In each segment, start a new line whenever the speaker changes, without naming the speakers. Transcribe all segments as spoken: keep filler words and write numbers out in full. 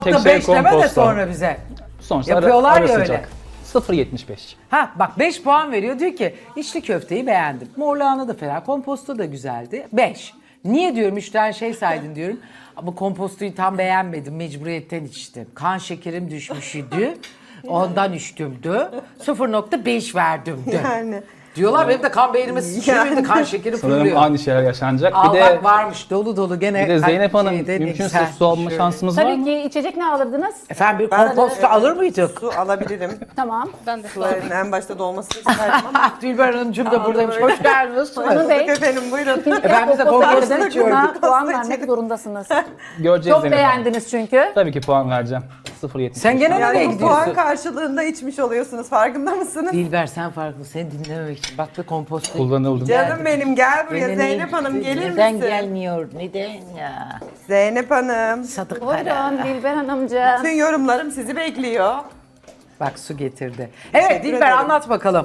Tek
Da
şey
beş deme de
komposto.
sonra bize.
Sonuçta
Yapıyorlar
ara
ya öyle.
sıcak. sıfır yetmiş beş.
Ha bak beş puan veriyor. Diyor ki içli köfteyi beğendim. Mor lahana da fena. Komposto da güzeldi. beş. Niye diyorum üç tane şey saydın diyorum. Ama kompostoyu tam beğenmedim. Mecburiyetten içtim. Kan şekerim düşmüşydü. Ondan içtimdi. sıfır nokta beş verdimdi.
Yani.
Diyorlar benim de kan beynime sıçrıyor.
Yani.
Kan şekeri
Sanırım
fırlıyor.
aynı şeyler yaşanacak.
Al
bir de
bak varmış dolu dolu gene.
bir de Zeynep Hanım
şeyde ne
mümkünse
güzel.
su alma
Şöyle.
şansımız var
Tabii
mı?
ki içecek ne alırdınız?
Efendim bir
Ben-
komposto alır mıydık?
Su alabilirim.
Tamam.
Ben de.
Suların en başta dolmasını isterdim ama.
Ah Dilber Hanımcığım da buradaymış. Hoş geldiniz.
Anıl Bey,
Efendim buyurun.
Efendim biz de
komposto
komposto
verdiniz,
içiyoruz.
buna puan
Komposto
vermek zorundasınız.
Göreceğiz
Çok
Zeynep Hanım.
beğendiniz çünkü.
Tabii ki puan vereceğim. sıfır yetmiş beş.
Sen gene nereye
Yani bu puan
gidiyorsun?
karşılığında içmiş oluyorsunuz farkında mısınız?
Dilber sen farklı. Seni dinlememek için. Bak da komposto.
Kullanıldım.
Canım benim gel buraya
Gene
Zeynep
ne-
Hanım gelir
Neden
misin?
gelmiyor? Neden ya?
Zeynep Hanım.
Sadık para.
Buyurun Dilber Hanımcığım.
Bütün yorumlarım sizi bekliyor.
Bak su getirdi. Evet
Teşekkür
Dilber
ederim.
anlat bakalım.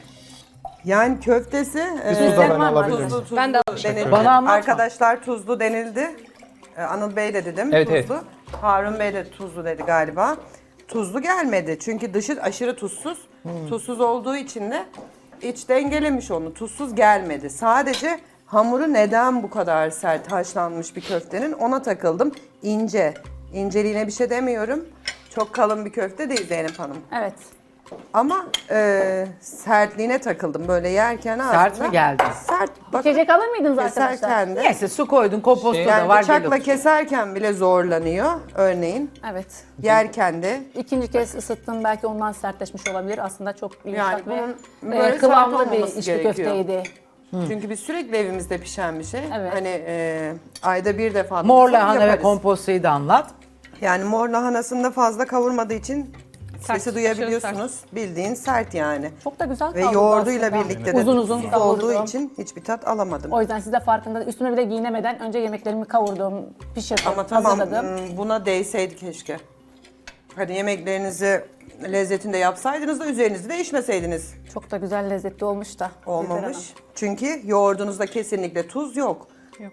Yani köftesi e,
tuz da ben
var mı?
alabilirim.
tuzlu, tuzlu
Ben de
denildi.
Bana anlatma.
Arkadaşlar tuzlu denildi. E, Anıl Bey de dedim
Evet,
tuzlu. Harun Bey de tuzlu dedi galiba. Tuzlu gelmedi çünkü dışı aşırı tuzsuz. Tuzsuz olduğu için de iç dengelemiş onu. Tuzsuz gelmedi. Sadece hamuru neden bu kadar sert haşlanmış bir köftenin ona takıldım. İnce. İnceliğine bir şey demiyorum. Çok kalın bir köfte değil Zeynep Hanım.
Evet.
Ama e, sertliğine takıldım böyle yerken
Sert
aslında.
mi geldi?
Sert. Bak
İçecek alır mıydınız arkadaşlar?
keserken de.
Neyse su koydun komposto
Şey-
da
Yani
var.
bıçakla
gel
keserken bile zorlanıyor örneğin.
Evet.
Yerken de.
İkinci kez ısıttım belki ondan sertleşmiş olabilir. Aslında çok
Yani
yumuşak
bunun
ve
böyle
e, kıvamlı
sert
bir
olmaması
içli
gerekiyor.
köfteydi.
Çünkü biz sürekli evimizde pişen bir şey.
Evet.
Hani e, ayda bir defa
Mor
olsa
lahana ve
yaparız.
kompostoyu da anlat.
Yani mor lahanasında fazla kavurmadığı için
Sert,
sesi duyabiliyorsunuz. Bildiğin sert yani.
Çok da güzel
Ve
kavruldu
yoğurduyla
aslında.
birlikte de
uzun uzun
tuzsuz
kavurdum.
olduğu için hiçbir tat alamadım.
O yüzden siz de farkında. Üstüme bile giyinemeden önce yemeklerimi kavurdum, pişirdim,
Ama tamam
hazırladım.
hmm, buna değseydi keşke. Hani yemeklerinizi lezzetinde yapsaydınız da üzerinizi değişmeseydiniz.
Çok da güzel lezzetli olmuş da. Dilber Hanım.
Olmamış. Çünkü yoğurdunuzda kesinlikle tuz yok.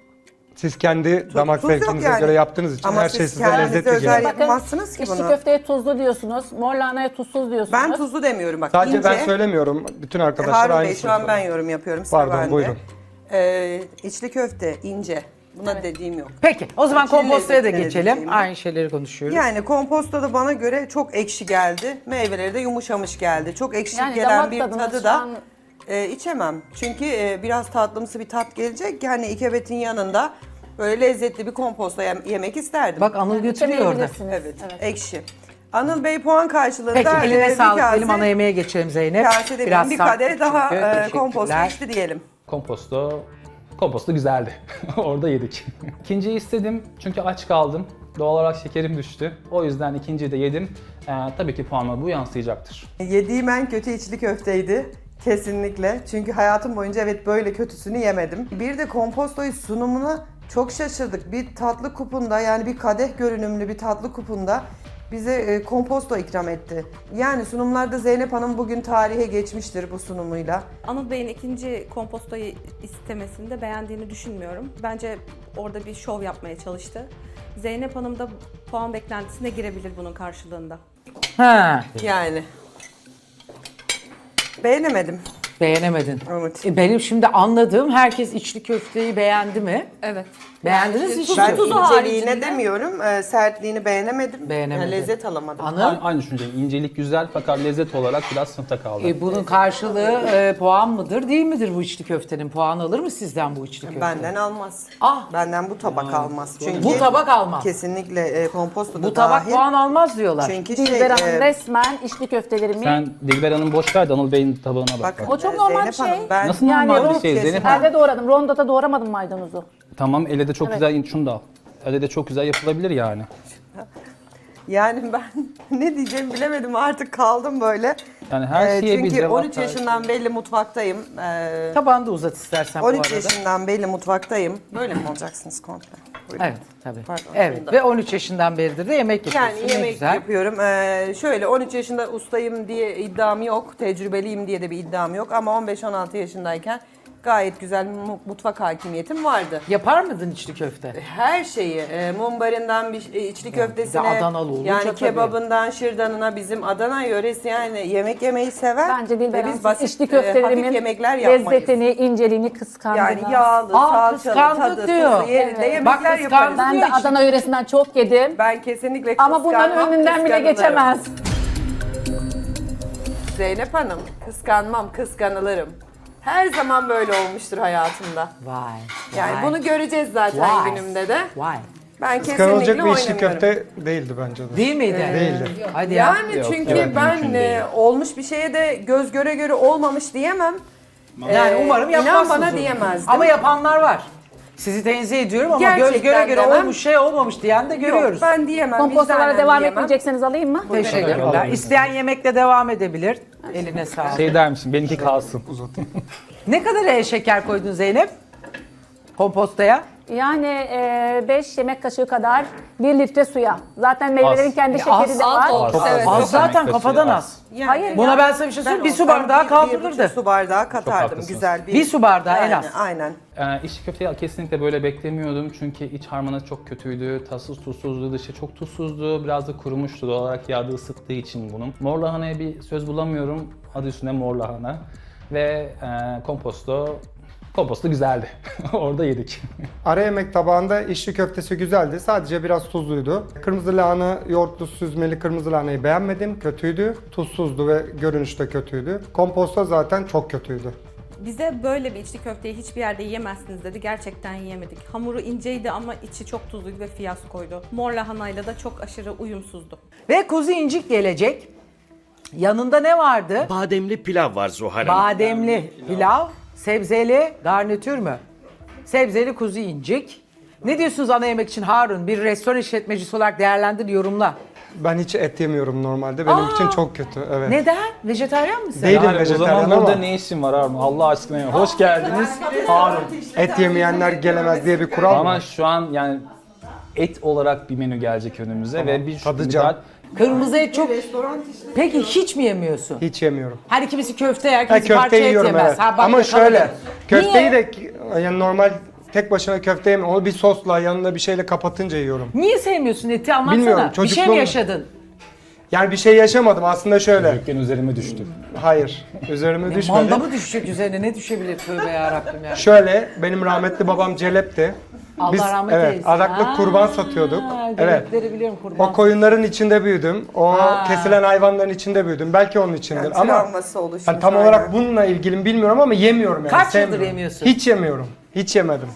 Siz kendi damak
tuz yok
zevkinize
yani.
göre yaptığınız için
Ama
her
siz
şey size
kendinize
lezzetli
özel
geliyor.
yap- Yapamazsınız ki
içli
bunu.
köfteye tuzlu diyorsunuz, mor lahanaya tuzsuz diyorsunuz.
Ben tuzlu demiyorum bak.
Sadece
ince.
ben söylemiyorum. Bütün arkadaşlar
Harun
aynı
Bey şu an ben yorum yapıyorum. Sıra
Pardon,
bende.
buyurun.
Ee, içli köfte ince. Buna dediğim yok.
Peki o zaman
İçli
kompostoya da
lezzetine
geçelim.
diyeceğim.
Aynı şeyleri konuşuyoruz.
Yani komposto da bana göre çok ekşi geldi. Meyveleri de yumuşamış geldi. Çok ekşi
Yani
gelen
damak
bir
tadınız
tadı
şu
da
an-
e, içemem. Çünkü e, biraz tatlımsı bir tat gelecek. Yani ikebetin yanında böyle lezzetli bir komposto yem- yemek isterdim.
Bak Anıl götürüyor orada.
İçemeyebilirsiniz.
Evet, ekşi. Anıl Bey puan karşılığında
Peki
e,
eline
bir
sağlık.
kase-
Benim ana yemeğe geçelim Zeynep.
kase demeyelim,
Biraz
bir
sarkık
kadeh daha
çünkü.
e, komposto
Teşekkürler.
içti diyelim.
Komposto, komposto güzeldi. Orada yedik. İkinciyi istedim çünkü aç kaldım. Doğal olarak şekerim düştü. O yüzden ikinciyi de yedim. Ee, tabii ki puanıma bu yansıyacaktır.
Yediğim en kötü içli köfteydi. Kesinlikle. Çünkü hayatım boyunca evet böyle kötüsünü yemedim. Bir de kompostoyu sunumuna çok şaşırdık. Bir tatlı kupunda yani bir kadeh görünümlü bir tatlı kupunda bize e, komposto ikram etti. Yani sunumlarda Zeynep Hanım bugün tarihe geçmiştir bu sunumuyla.
Anıl Bey'in ikinci kompostoyu istemesinde beğendiğini düşünmüyorum. Bence orada bir şov yapmaya çalıştı. Zeynep Hanım da puan beklentisine girebilir bunun karşılığında.
Ha,
Yani. Beğenemedim.
beğenemedin.
Evet.
E, benim şimdi anladığım herkes içli köfteyi beğendi mi?
Evet.
Beğendiniz mi içli
Ben
köfteyi?
inceliğine
haricinde-
demiyorum, e, sertliğini beğenemedim.
Beğenemedin.
Yani lezzet alamadım.
Anıl?
Aynı, aynı düşünceyim. İncelik güzel fakat lezzet olarak biraz sınıfta kaldı.
E, bunun karşılığı e, puan mıdır değil midir bu içli köftenin? Puan alır mı sizden bu içli köfte?
Benden almaz.
Ah!
Benden bu tabak almaz. Çünkü
Bu tabak almaz.
Kesinlikle e, komposto da
Bu tabak
dahil.
puan almaz diyorlar.
Çünkü şey,
Dilber Hanım
e,
resmen içli köftelerimi
Sen Dilber Hanım boş ver de Anıl Bey'in tabağına bak.
bakın,
O çok
e,
normal
Zeynep
bir şey.
Hanım, ben
Nasıl
Yani
normal
o
bir şey Zeynep Hanım?
elde doğradım. Rondoda doğramadım maydanozu.
Tamam elle de çok
Evet.
güzel, şunu da al. Elle de çok güzel yapılabilir yani.
yani ben ne diyeceğimi bilemedim artık kaldım böyle.
Yani her
E,
şeye bir
çünkü
cevap
on üç
ver.
yaşından belli mutfaktayım. E,
Tabağını da uzat istersen bu
on
arada.
üç yaşından belli mutfaktayım. Böyle mi olacaksınız komple? Buyurun.
Evet tabii.
Pardon,
evet
şunu da-
ve on üç yaşından beridir de yemek yapıyorsun.
Yani
Ne
yemek
güzel.
yapıyorum. Ee, şöyle on üç yaşında ustayım diye iddiam yok. Tecrübeliyim diye de bir iddiam yok. Ama on beş on altı yaşındayken Gayet güzel mu- mutfak hakimiyetim vardı.
Yapar mıydın içli köfte?
Her şeyi, e, mumbarından bir e, içli köftesine,
bir de Adanalı olunca
yani
tabii.
kebabından şırdanına bizim Adana yöresi yani yemek yemeyi sever.
Bence Dilber
Ve
Hanım
biz basit,
içli
e, hafif
köftelerimin
yemekler yapmayız.
lezzetini, inceliğini kıskandınız.
Yani yağlı,
Aa,
salçalı,
kıskandı
tadı,
diyor.
tuzu yerinde
Evet.
yemekler
Bak,
yaparız.
kıskandı.
Ben de
Diyor içli-
Adana yöresinden çok yedim.
Ben kesinlikle
Ama bunların
kıskanmam,
önünden bile
kıskanılırım.
geçemez.
Zeynep Hanım, kıskanmam, kıskanılırım. Her zaman böyle olmuştur hayatımda.
Vay.
Yani
vay,
bunu göreceğiz zaten
Vay.
günümde de.
Vay.
Ben
Kıskanılacak
kesinlikle
bir içli
oynamıyorum.
köfte değildi bence de.
Değil miydi?
Değildi.
Hadi ya.
Yani çünkü
evet,
ben
mümkün
e,
değil.
olmuş bir şeye de göz göre göre olmamış diyemem.
Yani
Ee,
umarım
inan
yapmazsınız.
bana
onu.
diyemezdim.
Ama yapanlar var. Sizi tenzih ediyorum ama göz
Gerçekten
göre göre
demem.
olmuş şey olmamış diyen de görüyoruz.
Yok ben diyemem.
Kompostalara
vicdanen
devam
diyemem.
etmeyecekseniz alayım mı?
Teşekkürler.
Alalım.
İsteyen yemekle devam edebilir. Eline sağlık.
Şey der misin? Benimki kalsın.
Ne kadar e, şeker koydun Zeynep? Kompostaya?
Yani beş yemek kaşığı kadar bir litre suya. Zaten meyvelerin
Az.
kendi
Ya
şekeri de
az
var.
oldu.
Az,
Evet.
az,
Az
az.
zaten
Yemek
kafadan
kaşığı
az.
Yani
Hayır
Buna
ya.
ben sana bir şey söyleyeyim. Bir su
olsam
bardağı
bir-
kaldırırdı.
Bir su bardağı katardım
haklısınız.
güzel bir.
Bir su bardağı en
Yani,
az.
Aynen.
Ee, içli köfteyi kesinlikle böyle beklemiyordum çünkü iç harmanı çok kötüydü, tatsız tuzsuzdu, dışı çok tuzsuzdu, biraz da kurumuştu doğal olarak yağda ısıttığı için bunun. Mor lahanaya bir söz bulamıyorum, adı üstünde mor lahana ve e, komposto, komposto güzeldi, orada yedik.
Ara yemek tabağında içli köftesi güzeldi. Sadece biraz tuzluydu. Kırmızı lahana, yoğurtlu süzmeli kırmızı lahanayı beğenmedim. Kötüydü. Tuzsuzdu ve görünüşte kötüydü. Komposto zaten çok kötüydü.
Bize böyle bir içli köfteyi hiçbir yerde yiyemezsiniz dedi. Gerçekten yiyemedik. Hamuru inceydi ama içi çok tuzluydu ve fiyaskoydu. Mor lahanayla da çok aşırı uyumsuzdu.
Ve kuzu incik gelecek. Yanında ne vardı?
Bademli pilav var Zuhal Hanım.
Bademli pilav, sebzeli garnitür mü? Sebzeli kuzu incik. Ne diyorsunuz ana yemek için Harun? Bir restoran işletmecisi olarak değerlendir, yorumla.
Ben hiç et yemiyorum normalde. Benim
Aa!
için çok kötü. Evet.
Neden? Vejetaryen misin?
Değilim
Yani o
vejetaryen
zaman burada
ama
ne işin var Harun? Allah aşkına ya. Hoş geldiniz Harun.
et yemeyenler gelemez diye bir kural
Ama
var.
şu an yani et olarak bir menü gelecek önümüze ve bir
tadacağım.
Kırmızı et çok... Peki hiç mi yemiyorsun?
Hiç yemiyorum.
Her kimisi köfte yer,
Ha,
kimisi parça
köfteyi
et
yiyorum
yemez.
evet.
Ha, bak
Ama
bakalım.
şöyle, köfteyi
Niye?
de yani normal tek başına köfte yemiyorum. Onu bir sosla yanına bir şeyle kapatınca yiyorum.
Niye sevmiyorsun eti anlatsana.
Bilmiyorum,
Bir şey mi
çocukluğum-
yaşadın?
Yani bir şey yaşamadım aslında şöyle.
Çocukken üzerime düştü.
Hayır, üzerime düşmedi.
Manda mı düşecek üzerine? Ne düşebilir tövbe yarabbim ya.
Şöyle, benim rahmetli babam celepti.
Allah
Biz,
rahmet
evet,
eylesin.
adaklık
Ha,
kurban satıyorduk. Evet.
gerekleri biliyorum kurban.
O koyunların içinde büyüdüm. O
Ha.
kesilen hayvanların içinde büyüdüm. Belki onun içindir
Yani
ama
travması oluşmuş.
hani tam
aynen.
olarak bununla ilgili mi bilmiyorum ama yemiyorum yani.
Kaç yıldır
sevmiyorum.
yemiyorsun?
Hiç yemiyorum. Hiç yemedim.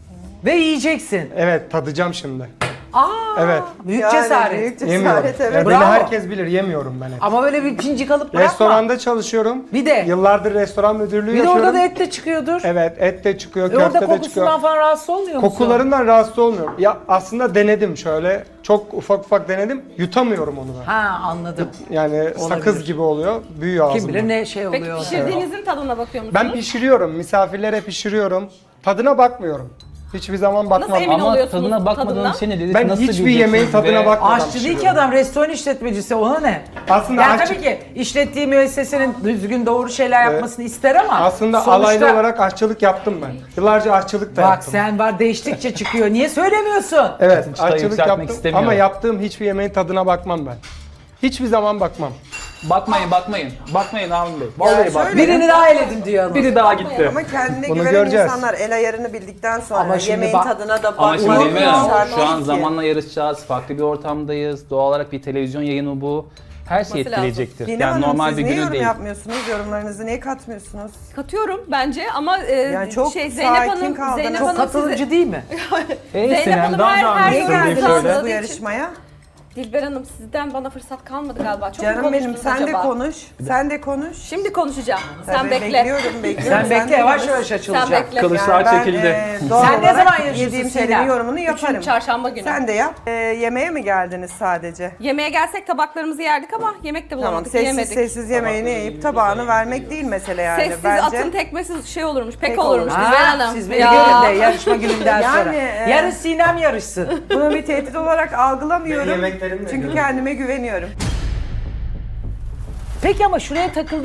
Ve yiyeceksin.
Evet, tadacağım şimdi.
Aa,
Evet.
büyük
Yani
cesaret.
Büyük
Yemiyorum.
cesaret evet.
Yani beni
Bravo.
herkes bilir, yemiyorum ben et.
Ama böyle bir pincik alıp bırakma.
Restoranda çalışıyorum.
Bir de-
Yıllardır restoran müdürlüğü
Bir de
yapıyorum.
orada da et de çıkıyordur.
Evet, et de çıkıyor,
E orada
köfte de
kokusundan
çıkıyor.
falan rahatsız olmuyor musun?
Kokularından rahatsız olmuyorum. Ya aslında denedim şöyle. Çok ufak ufak denedim. Yutamıyorum onu ben.
Ha anladım.
Yani sakız gibi oluyor. Büyüyor ağzımda.
Kim bilir ne şey
Peki
oluyor.
pişirdiğinizin tadına bakıyor musunuz?
Ben pişiriyorum. Misafirlere pişiriyorum. Tadına bakmıyorum. Hiçbir zaman bakmam.
Nasıl emin
Ama
oluyorsunuz
tadına bakmadığın
tadından?
şey ne dedik?
Ben
Nasıl
hiçbir
bileceksiniz
yemeğin tadına
ve-
bakmadan
Aşçı değil ki
pişiriyorum.
adam, restoran işletmecisi, ona ne?
Aslında
Yani
aç-
tabii ki işlettiği müessesenin düzgün doğru şeyler yapmasını ister ama
Aslında
sonuçta-
alaylı olarak aşçılık yaptım ben. Yıllarca aşçılık da
Bak
yaptım.
sen var, değiştikçe çıkıyor. Niye söylemiyorsun?
Evet,
Çıtayı
aşçılık
yükseltmek
yaptım
istemiyorum.
ama yaptığım hiçbir yemeğin tadına bakmam ben. Hiçbir zaman bakmam.
Bakmayın bakmayın. Bakmayın Harun Bey. Vallahi
şöyle-
bakmayın.
Birini daha eledim diyor ama.
Biri daha gitti.
Ama kendine
Bunu
güvenen
göreceğiz.
insanlar el ayarını bildikten sonra
Ama şimdi
yemeğin
bak-
tadına da
Ama şimdi
bakmak
Dilber Hanım,
şart
şu an
değil ki.
zamanla yarışacağız. Farklı bir ortamdayız. Doğal olarak bir televizyon yayını bu. Her şey
Olması lazım.
etkileyecektir.
Dinem
Yani
Hanım,
normal
siz
bir
niye
günü
yorum
değil.
yapmıyorsunuz? Yorumlarınızı niye katmıyorsunuz?
Katıyorum bence ama e,
Yani çok
şey Zeynep
sakin
Hanım,
kaldınız.
Zeynep
Çok
Hanım
katılıcı
sizi,
değil mi?
Ey
Zeynep
Sinem,
Hanım
daha
her-
da
her
anlatın
yerde
bir
Geldiniz
Anladığı
şöyle.
bu
için-
yarışmaya.
Dilber Hanım sizden bana fırsat kalmadı galiba. Çok mu
Canım benim
konuştunuz
sen de
acaba?
konuş. Sen de konuş.
Şimdi konuşacağım. Sen
Tabii,
bekle.
Bekliyorum, bekliyorum.
Sen bekle,
de
yavaş
konuş.
yavaş
Sen
açılacak.
bekle.
Kılıçlar
ben,
çekildi.
e, doğal
Sen ne
olarak
zaman yarışıyorsun
yediğim
Sinem?
şeylerin yorumunu yaparım.
Üçüncü çarşamba günü.
Sen de yap. E, yemeğe mi geldiniz sadece?
Yemeğe gelsek tabaklarımızı yerdik ama yemek de
Tamam,
bulamadık,
sessiz
yiyemedik.
sessiz yemeğini yiyip tabağını vermek değil mesele yani.
Sessiz
Bence.
atın tekmesiz şey olurmuş, pek,
Pek
olurmuş
olur.
Dilber
Ha,
Hanım.
siz beni
Ya.
görün de yarışma gününden
Yani,
sonra.
e,
Yarın Sinem yarışsın.
Bunu bir tehdit olarak algılamıyorum.
Ben yemeklerimle
Çünkü
görüyorum.
kendime güveniyorum.
Peki ama şuraya takıldım.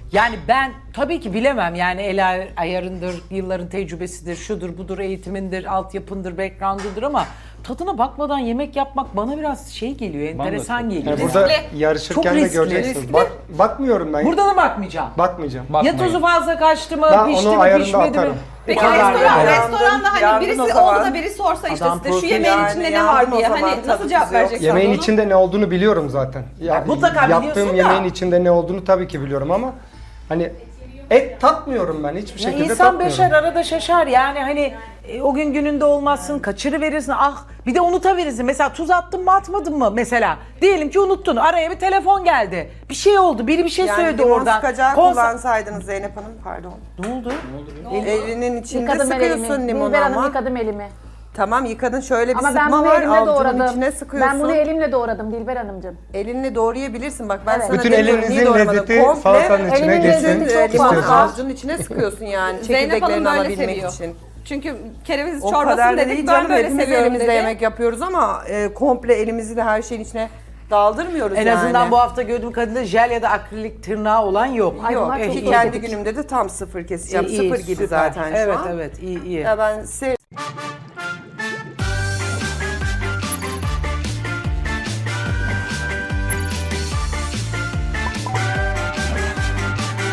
Yani ben tabii ki bilemem yani el ay- ayarındır, yılların tecrübesidir, şudur budur, eğitimindir, altyapındır, background'udur ama tadına bakmadan yemek yapmak bana biraz şey geliyor, enteresan
çok-
geliyor.
Yani burada
Riskli.
yarışırken
Çok
de
riskli,
göreceksiniz.
riskli.
Bak, bakmıyorum ben.
Burada da bakmayacağım.
Bakmayacağım.
Ya
Bakmayın.
tuzu fazla kaçtı mı,
Ben
pişti
onu
mi,
ayarında
pişmedi mi?
atarım.
Peki
O kadar
restoran,
yani.
restoranda hani
Yandın
birisi
o
oldu
zaman.
da biri sorsa işte
Adam
size şu
profil
yemeğin
yani,
içinde ne
yandın
var
o
diye
zaman,
hani
tadı
nasıl
tuzu
cevap
yok.
vereceksin
Yemeğin
onu?
içinde ne olduğunu biliyorum zaten. Ya,
mutlaka biliyorsun
yaptığım
da.
yemeğin içinde ne olduğunu tabii ki biliyorum ama hani et tatmıyorum ben hiçbir
Ya
şekilde
insan
tatmıyorum.
beşer arada şaşar yani hani e, o gün gününde olmazsın, kaçırıverirsin, ah bir de unutabilirsin. Mesela tuz attın mı atmadın mı mesela? Diyelim ki unuttun, araya bir telefon geldi. Bir şey oldu, biri bir şey
Yani
söyledi
limon
oradan.
sıkacağı
Konsa-
kullansaydınız Zeynep Hanım, pardon.
Ne oldu?
Elinin içinde
Yıkadım el
sıkıyorsun
elimi.
limonu
Dilber Hanım
ama.
yıkadım elimi.
Tamam, yıkadın, şöyle bir
Ama ben
sıkma
bunu
var,
elimle
avucunun
doğradım.
içine sıkıyorsun.
Ben bunu elimle doğradım Dilber Hanımcığım.
Elinle doğrayabilirsin, bak ben
Evet.
sana
Bütün
demiyorum, niye
elinizin
doğramadın?
lezzeti
Komple
salatanın içine
elimin
geçsin
lezzeti çok
e, limonu
fazla.
avucunun içine sıkıyorsun yani,
Zeynep Hanım
çekirdeklerini
böyle
alabilmek
seviyor.
için.
Çünkü kereviz
O
çorbasını
kadar da
dedik
değil
ben
canım,
böyle
hepimiz
seviyorum
elimizle
dedi.
yemek yapıyoruz ama e, komple elimizi de her şeyin içine daldırmıyoruz
En
yani.
azından bu hafta gördüğüm kadarıyla jel ya da akrilik tırnağı olan yok.
Ay,
Yok,
bunlar çok
ki
iyi.
kendi günümde de tam sıfır keseceğim.
İyi, iyi,
sıfır gibi
süper.
zaten şu
evet,
an.
Evet, iyi iyi.
Ya ben se